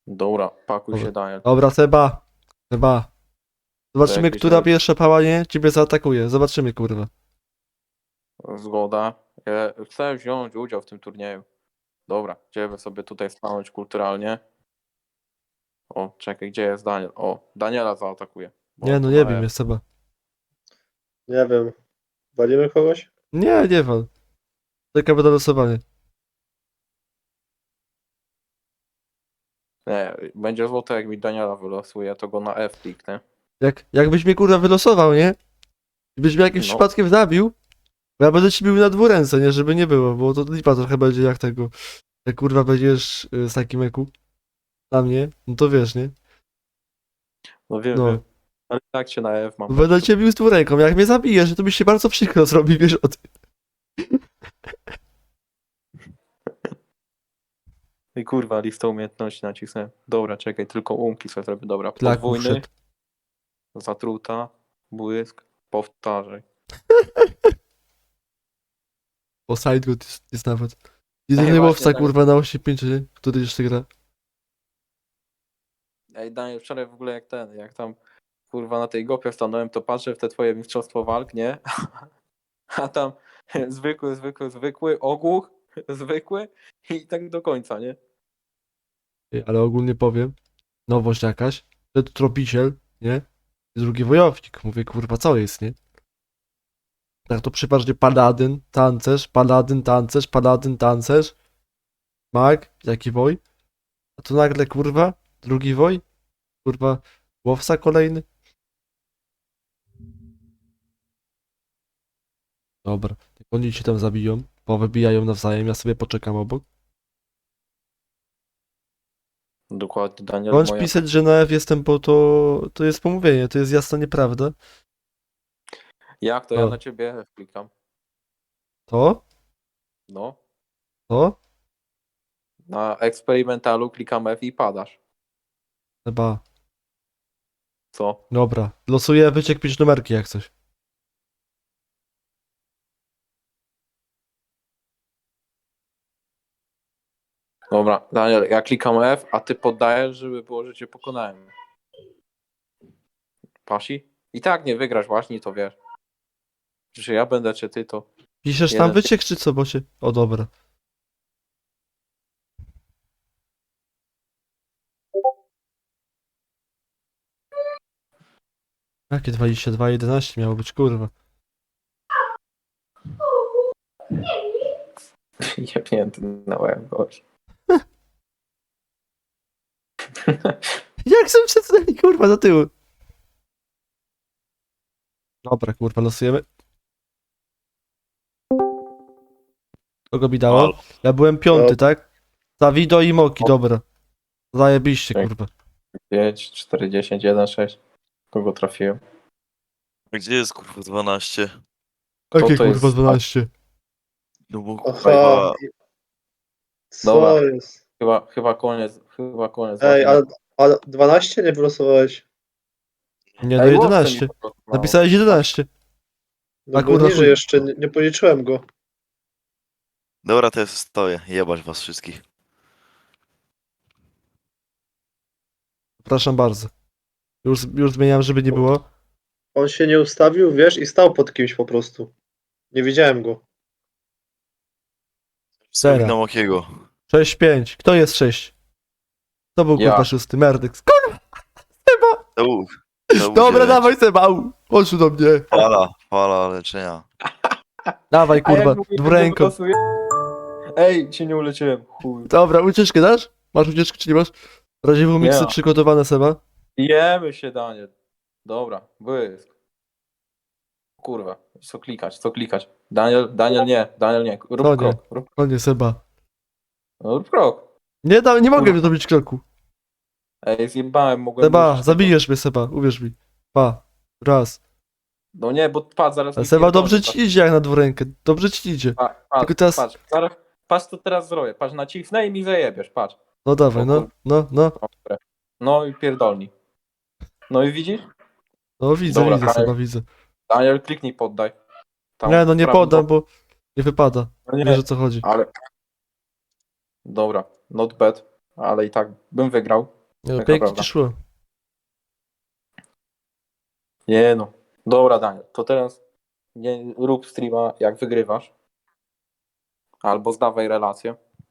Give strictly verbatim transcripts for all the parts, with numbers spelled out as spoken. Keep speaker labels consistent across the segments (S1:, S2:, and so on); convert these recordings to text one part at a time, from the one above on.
S1: Dobra, pakuj
S2: Dobra.
S1: się, Daniel.
S2: Dobra, Seba. Seba. Zobaczymy,
S1: jakieś
S2: która
S1: rzeczy.
S2: pierwsza pałanie ciebie zaatakuje. Zobaczymy, kurwa.
S1: Zgoda. Ja chcę wziąć udział w tym turnieju. Dobra, idziemy sobie tutaj stanąć kulturalnie. O, czekaj, gdzie jest Daniel? O, Daniela zaatakuje. bo
S2: Nie,
S1: on
S2: no
S1: tu
S2: nie
S1: na
S2: wiem,
S1: F.
S2: jest Seba.
S3: Nie wiem. Walimy kogoś?
S2: Nie, nie wal. Czekamy na losowanie.
S1: Nie, będzie złoto, jak mi Daniela wylosuje, to go na F kliknę.
S2: Jak, jakbyś mnie, kurwa, wylosował, nie? I byś mnie jakimś
S1: No.
S2: przypadkiem zabił, bo ja będę ci bił na dwuręce, nie? Żeby nie było, bo to lipa trochę będzie jak tego. Jak, kurwa, będziesz y, z takim eku na mnie, no to wiesz, nie?
S1: No wiem,
S2: No.
S1: wiem. Ale tak cię na F mam.
S2: Będę cię bił z dwuręką. Jak mnie zabijesz, to mi się bardzo przykro zrobi, wiesz o tym.
S1: I kurwa, listę umiejętności nacisnę. Dobra, czekaj, tylko umki sobie zrobię. Dobra,
S2: Klaku
S1: podwójny,
S2: wszedł.
S1: zatruta, błysk, powtarzaj.
S2: O, sidegood jest, jest nawet. Jedyny
S1: właśnie,
S2: łowca,
S1: tak.
S2: kurwa, na osiem pięć, nie? Który jeszcze gra.
S1: Ej, Daniel, wczoraj w ogóle jak ten, jak tam kurwa na tej gopie stanąłem, to patrzę w te twoje mistrzostwo walk, nie? A tam zwykły, zwykły, zwykły, ogłuch, zwykły i tak do końca, nie?
S2: Ej, ale ogólnie powiem, nowość jakaś, przed tropiciel, nie? I drugi wojownik. Mówię, kurwa, co jest, nie? Tak to przeważnie paladyn, tancerz, paladyn, tancerz, paladyn, tancerz, mag, jaki woj. A tu nagle, kurwa, drugi woj, kurwa, łowca kolejny. Dobra, jak oni się tam zabiją, powybijają nawzajem, ja sobie poczekam obok.
S1: Dokładnie, Daniel,
S2: Bądź
S1: moja...
S2: pisać, że na F jestem, bo to, to jest pomówienie, to jest jasna nieprawda.
S1: Jak to ja
S2: O.
S1: na ciebie F klikam?
S2: To?
S1: No,
S2: To?
S1: na eksperymentalu klikam F i padasz.
S2: Chyba.
S1: Co?
S2: Dobra, losuję, wyciek pięć numerki jak coś.
S1: Dobra, Daniel, ja klikam F, a ty poddajesz, żeby było, że cię pokonałem. Pasi? I tak nie wygrasz właśnie, to wiesz. Czy ja będę, czy ty, to...
S2: Piszesz tam
S1: Jeden-
S2: wyciek czy co, bo się... O, dobra. Jakie dwadzieścia dwa jedenaście miało być, kurwa.
S1: Jebnięty na łeb, gość.
S2: Jak są przesunęli, kurwa, do tyłu? Dobra, kurwa, losujemy. Kogo mi dało? Ja byłem piąty, tak? Zawido i Moki, dobra. Zajebiście,
S1: Tak.
S2: kurwa.
S1: pięć, cztery, dziesięć, jeden, sześć. Kogo trafiłem?
S4: A gdzie jest kurwa dwanaście?
S1: Kto
S2: Jakie,
S1: to jest?
S2: kurwa, dwanaście?
S4: No bo
S3: Aha.
S4: kurwa,
S3: Co
S1: Dobra.
S3: jest?
S1: Chyba, chyba koniec, chyba koniec.
S3: Ej, ale, ale dwanaście nie wylosowałeś?
S2: Nie, no
S1: Ej, łowcę mi
S2: jedenaście.
S1: po prostu mało.
S2: Napisałeś jedenaście.
S3: No
S2: A
S3: bo
S2: kurwa,
S3: niżej
S2: chuj.
S3: jeszcze, nie, nie policzyłem go.
S4: dobra, to ja stoję, jebać was wszystkich.
S2: Przepraszam bardzo. Już, już zmieniam, żeby nie było.
S3: On się nie ustawił, wiesz, i stał pod kimś po prostu. Nie widziałem go.
S2: Zera.
S4: Na Mokiego.
S2: sześć pięć. Kto jest sześć? To był,
S1: Ja.
S2: kurwa, szósty. Merdyk. Kurwa! Seba!
S4: To był. To był
S2: Dobra,
S4: dziewięć.
S2: dawaj, Seba. au. Chodź tu do mnie.
S4: Fala, fala leczenia.
S2: Dawaj,
S1: A jak
S2: kurwa,
S1: mówię, że
S2: dwuręką.
S1: wylosuję? Ej, cię nie uleczyłem. Chuj.
S2: Dobra, ucieczkę dasz? Masz ucieczkę, czy nie masz? Radziewą miksy
S1: Nie.
S2: przygotowane, Seba.
S1: Jemy się, Daniel. Dobra, błysk. Kurwa, co klikać, co klikać. Daniel, Daniel nie, Daniel nie. Rób
S2: Co nie?
S1: krok, rób,
S2: O nie, Seba.
S1: no, rób krok.
S2: Nie, da, nie mogę
S1: Kurwa.
S2: zrobić kroku.
S1: Ej, zjebałem, mogłem...
S2: Seba,
S1: użyć
S2: zabijesz mnie, Seba, uwierz mi. Pa. Raz.
S1: tego. No nie, bo patrz, zaraz...
S2: Ale
S1: mi
S2: Seba,
S1: pierdolę,
S2: dobrze
S1: patrz.
S2: ci idzie jak na dwurękę. Dobrze ci idzie.
S1: Pa, patrz,
S2: Tylko teraz-
S1: patrz, zaraz, patrz co teraz zrobię. Patrz, nacisnę i mi zajebiesz, patrz.
S2: No dawaj, no, no, no.
S1: Dobra. No i pierdolni. No i widzisz?
S2: No widzę,
S1: Dobra,
S2: widzę,
S1: Daniel.
S2: Seba, widzę.
S1: Daniel, kliknij, poddaj. Tam
S2: Nie, no nie
S1: w prawym
S2: podam,
S1: boku.
S2: bo nie wypada.
S1: No nie,
S2: Wiesz o co chodzi.
S1: ale... Dobra, not bad, ale i tak bym wygrał.
S2: Nie, no,
S1: Taka
S2: pięknie
S1: prawda.
S2: ci szło.
S1: Nie no. Dobra, Daniel, to teraz nie rób streama jak wygrywasz. Albo zdawaj relację.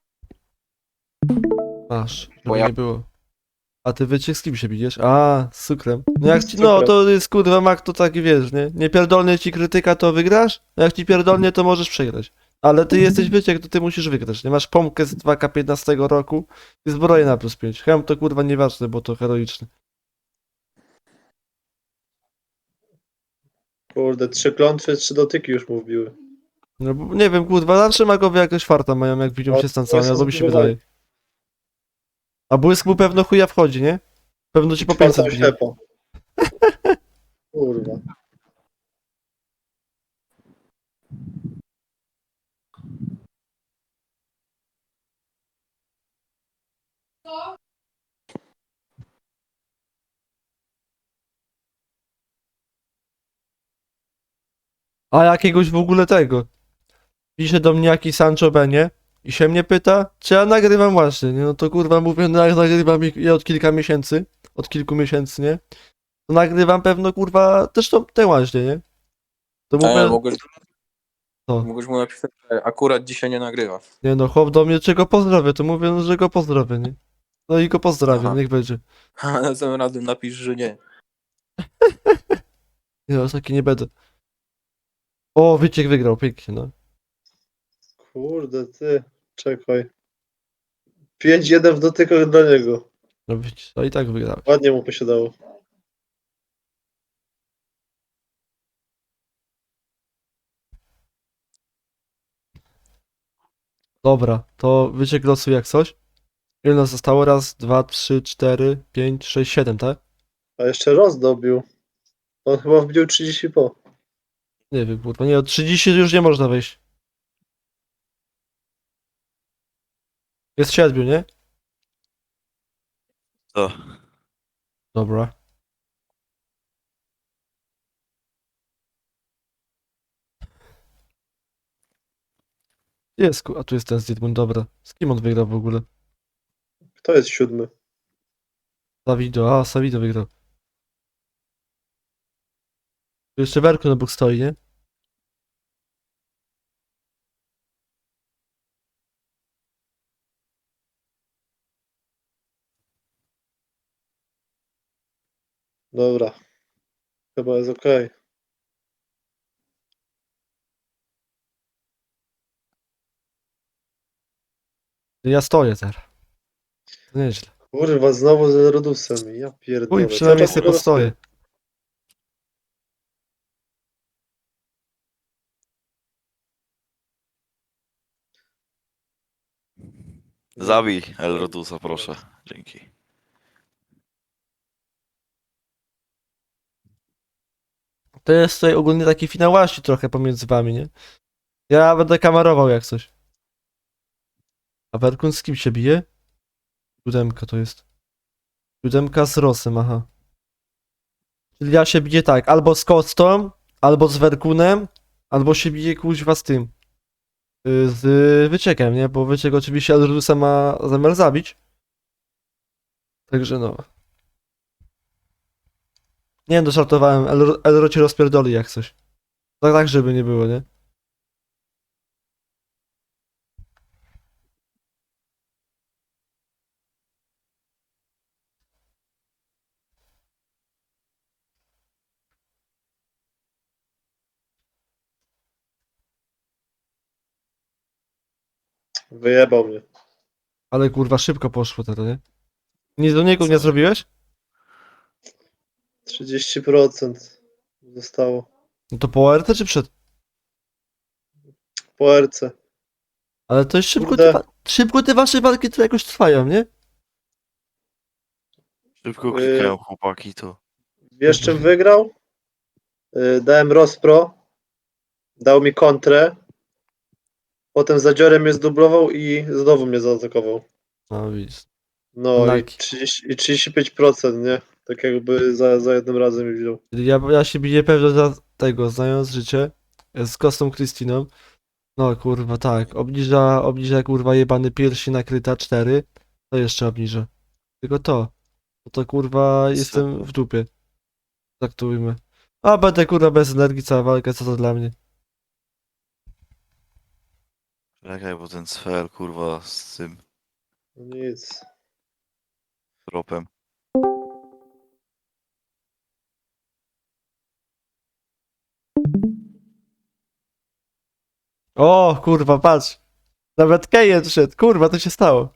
S2: Masz, żeby
S1: Bo ja-
S2: nie było. A ty wyciek z kim się bijesz? A, z cukrem. No jak
S3: Z
S2: ci, no
S3: cukrem.
S2: to jest kurwa mak, to taki wiesz, nie? Nie pierdolnie ci krytyka, to wygrasz? A jak ci pierdolnie, to możesz przegrać. Ale ty jesteś wyciek, to ty musisz wygrać. Nie masz pompkę z dwa K piętnastego roku i zbroję na plus pięć. Hem to kurwa nieważne, bo to heroiczne.
S3: Kurde, trzy klątwy, trzy dotyki już mu wbiły.
S2: No bo nie wiem, kurwa, zawsze magowie jakoś farta mają, jak widzą
S3: No,
S2: się z
S3: to
S2: tancami,
S3: jest
S2: albo mi się
S3: zbudowane.
S2: wydaje. A błysk mu pewno chuja wchodzi, nie? Pewno ci po pięćset
S3: Czwarta
S2: bije.
S3: ślepa. Kurwa.
S2: A jakiegoś w ogóle tego. Pisze do mnie jakiś Sancho Benie i się mnie pyta, czy ja nagrywam właśnie, nie? No to kurwa mówię, no jak nagrywam i- ja od kilka miesięcy, od kilku miesięcy, nie? To nagrywam pewno kurwa też to te właśnie, nie? To
S1: Daniel,
S2: mówię,
S1: mogłeś,
S2: Co?
S1: mogłeś mu napisać, że akurat dzisiaj nie nagrywasz.
S2: nie no, chłop do mnie czego pozdrowię, to mówię, no, że go pozdrowię, nie? No i go pozdrawiam,
S1: Aha.
S2: niech będzie.
S1: A następnym razem napisz, że nie.
S2: Nie, no, taki nie będę. O, Wyciek wygrał, pięknie, no.
S3: Kurde, ty. Czekaj. pięć jeden w dotykach dla niego.
S2: No widzisz, no i tak wygrałeś.
S3: Ładnie mu posiadało.
S2: Dobra, to Wyciek losu jak coś. Ile nas zostało? Raz, dwa, trzy, cztery, pięć, sześć, siedem, tak?
S3: A jeszcze roz dobił. On chyba wbił trzydzieści po.
S2: Nie wiem, kurwa, nie, od trzydziestu już nie można wejść. Jest siedmiu, nie?
S4: To.
S2: Dobra. Jest, ku- a tu jest ten Zidmund, dobra. Z kim on wygrał w ogóle?
S3: Kto jest siódmy?
S2: Savido, a Savido wygrał. Tu jeszcze Werku na bok stoi, nie?
S3: Dobra. Chyba jest okej.
S2: Ja stoję teraz. To nieźle.
S3: Kurwa, znowu z Rodusem. Ja pierdolę.
S2: Uj, przynajmniej
S3: Cały czas
S2: sobie
S3: Rodus
S2: postoję.
S4: Zabij Elrodusa, proszę. Dzięki.
S2: To jest tutaj ogólnie taki finał łaści trochę pomiędzy wami, nie? Ja będę kamerował jak coś. A Werkun z kim się bije? Siódemka to jest. Siódemka z Rosem, aha. Czyli ja się biję tak, albo z Kostą, albo z Werkunem, albo się bije kuźwa z tym. y, Z Wyciekiem, nie? Bo Wyciek oczywiście Elrusa ma zamiar zabić. Także no. Nie wiem, doszartowałem. Elro, Elro cię rozpierdoli jak coś. Tak, tak, żeby nie było, nie?
S3: Wyjebał mnie.
S2: Ale kurwa szybko poszło teraz, nie? Nic do niego nie zrobiłeś?
S3: trzydzieści procent zostało.
S2: No to po R T czy przed?
S3: Po R C.
S2: Ale to jest szybko,
S3: Kurde.
S2: te, wa- szybko te wasze walki to jakoś trwają, nie?
S4: Szybko
S3: Yy.
S4: klikają chłopaki, to.
S3: Wiesz czym wygrał? Yy, dałem Rospro. Dał mi kontrę. Potem zadziorem mnie zdublował i znowu mnie zaatakował.
S2: No widzisz.
S3: No i,
S2: Laki.
S3: trzydzieści, i trzydzieści pięć procent, nie? Tak jakby za, za jednym razem mi wziął.
S2: Czyli Ja, ja się biję pewnie za tego, znając życie, z Kostą Krystyną. No kurwa, tak. Obniża, obniża kurwa jebany piersi nakryta cztery. To jeszcze obniża. Tylko to. No to kurwa jestem w dupie. Tak to ujmę. A będę kurwa bez energii cała walka, co to dla mnie?
S4: Czekaj, bo ten cfel, kurwa, z tym
S3: No nic.
S4: tropem.
S2: O kurwa, patrz. Nawet Kejen szedł, kurwa, to się stało.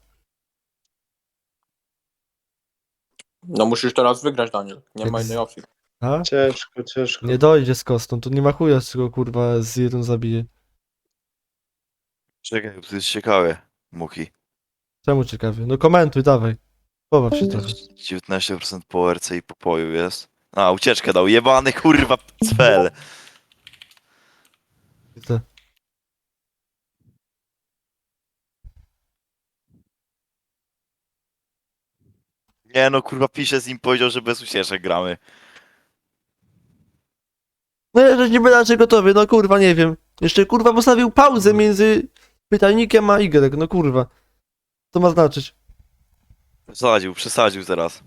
S1: No musisz teraz wygrać, Daniel. Nie ma
S2: Jak z-
S1: innej opcji.
S2: A?
S3: Ciężko, ciężko.
S2: Nie dojdzie z kostą, to nie ma chuja, z czego kurwa z jeden zabije.
S4: Czekaj, bo to jest ciekawe, Muki.
S2: Czemu ciekawie? No komentuj, dawaj. Pobaw się trochę.
S4: dziewiętnaście procent po R C i popoju jest. A, ucieczkę dał, jebany kurwa cfel.
S2: Widzę.
S4: Nie no, kurwa, pisze z nim, powiedział, że bez ucieczek gramy.
S2: No ja nie będę raczej gotowy, no kurwa, nie wiem. Jeszcze kurwa postawił pauzę między pytajnikiem a Y, no kurwa. Co ma znaczyć?
S4: Przesadził, przesadził teraz.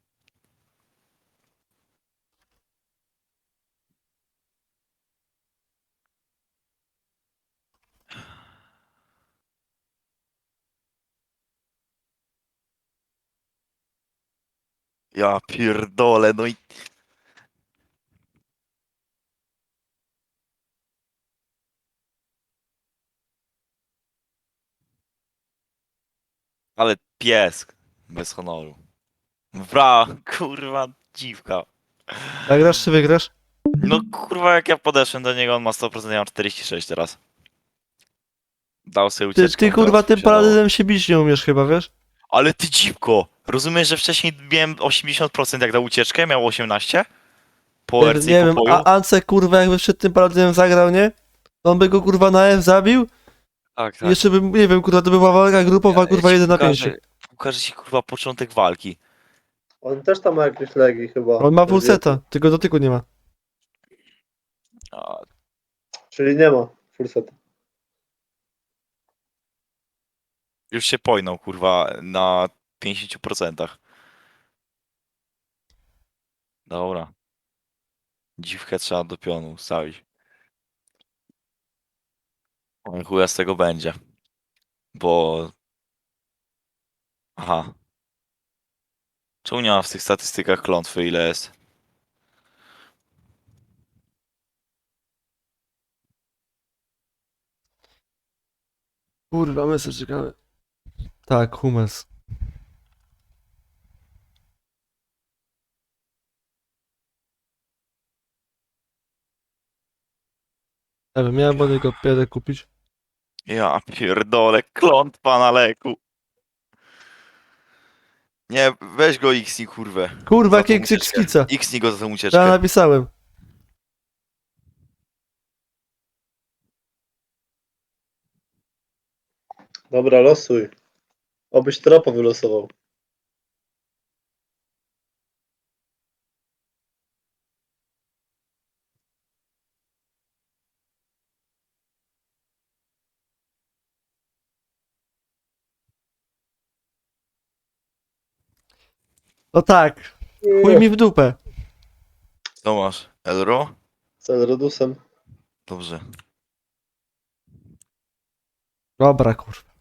S4: Ja pierdolę, no i... Ale pies, bez honoru. Bra, kurwa, dziwka.
S2: Zagrasz czy wygrasz?
S4: No kurwa, jak ja podeszłem do niego, on ma sto procent, ja mam czterdzieści sześć teraz. Dał sobie
S2: Ty,
S4: ucieczkę.
S2: ty kurwa tym paladynem się bić nie umiesz chyba, wiesz?
S4: Ale ty dziwko! Rozumiesz, że wcześniej miałem osiemdziesiąt procent jak dał ucieczkę, miał osiemnaście? Po
S2: Nie,
S4: R C
S2: nie
S4: i
S2: wiem,
S4: po poju?
S2: a Ancek kurwa jakby przed tym paladynem zagrał, nie? To on by go kurwa na F zabił
S4: Tak,
S2: i jeszcze bym, nie wiem, kurwa to by była walka grupowa, kurwa jeden na pięć.
S4: Pokażę ci kurwa początek walki.
S3: On też tam ma jakieś legi chyba.
S2: On ma full seta, tylko dotyku nie ma.
S4: A,
S3: Czyli nie ma full seta.
S4: już się pojnął kurwa na pięćdziesiąt procent. Dobra. Dziwkę trzeba do pionu ustawić. Oj, chuja z tego będzie. Bo... Aha. Czemu nie ma w tych statystykach klątwy ile jest?
S2: Kurwa, my sobie czekamy. Tak, Hummels. Nie wiem, miałem od niego pierę kupić.
S4: Ja pierdolę, klątwa na leku. Nie, weź go X-ni kurwę.
S2: Kurwa,
S4: Za tą
S2: jakie
S4: ucieczkę.
S2: skica.
S4: X-ni go za tą
S2: Ja
S4: ucieczkę.
S2: napisałem.
S3: Dobra, losuj. Obyś tropa wylosował.
S2: No tak, chuj mi w dupę.
S4: Co masz? Elro?
S3: Z Elrodusem.
S4: Dobrze.
S2: Dobra, kurwa.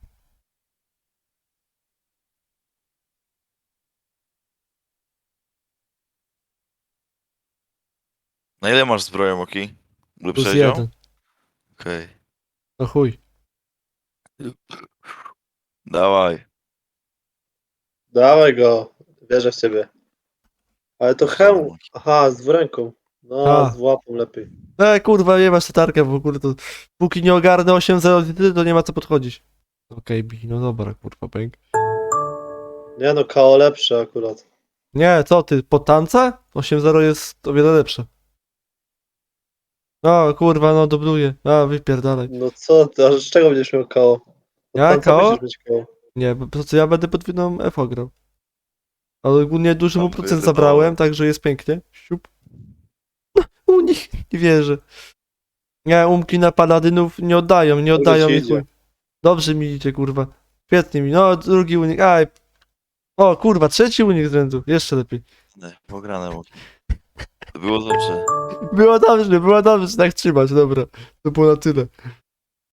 S4: Na ile masz zbroję, Moki? Lub
S2: Plus
S4: sześcią?
S2: jeden.
S4: Okej.
S2: No chuj.
S4: Dawaj.
S3: Dawaj go. Wierzę w ciebie. Ale to hełm. Aha, z dwuręką. No,
S2: A.
S3: z łapą lepiej.
S2: E, kurwa, nie masz tarkę w ogóle, to póki nie ogarnę osiem zero, to nie ma co podchodzić. Okej, bi, no dobra, kurwa, pęk.
S3: Nie no, K O lepsze akurat.
S2: Nie, co ty, po tance? osiem zero jest o wiele lepsze. No, kurwa, no, dubluję. A, wypierdalaj.
S3: No co ty, a z czego będziesz miał K O? No
S2: Ja
S3: tam co
S2: K O?
S3: będziesz mieć K O?
S2: Nie, bo po co ja będę podwójną F O grał. Ale ogólnie duży mu
S4: Tam
S2: procent
S4: wyjdę
S2: zabrałem,
S4: dołem.
S2: także jest pięknie. Siup. No, u nich nie wierzę. Nie, umki na paladynów nie oddają, nie
S3: Dobrze
S2: oddają
S3: ci
S2: mi
S3: idzie.
S2: chuj. Dobrze mi idzie, kurwa. Świetnie mi, no, drugi unik, aj. O kurwa, trzeci unik z rzędu. Jeszcze lepiej.
S4: Nie, pograne było. Było dobrze.
S2: Było dobrze, było dobrze, tak trzymać, dobra. To było na tyle.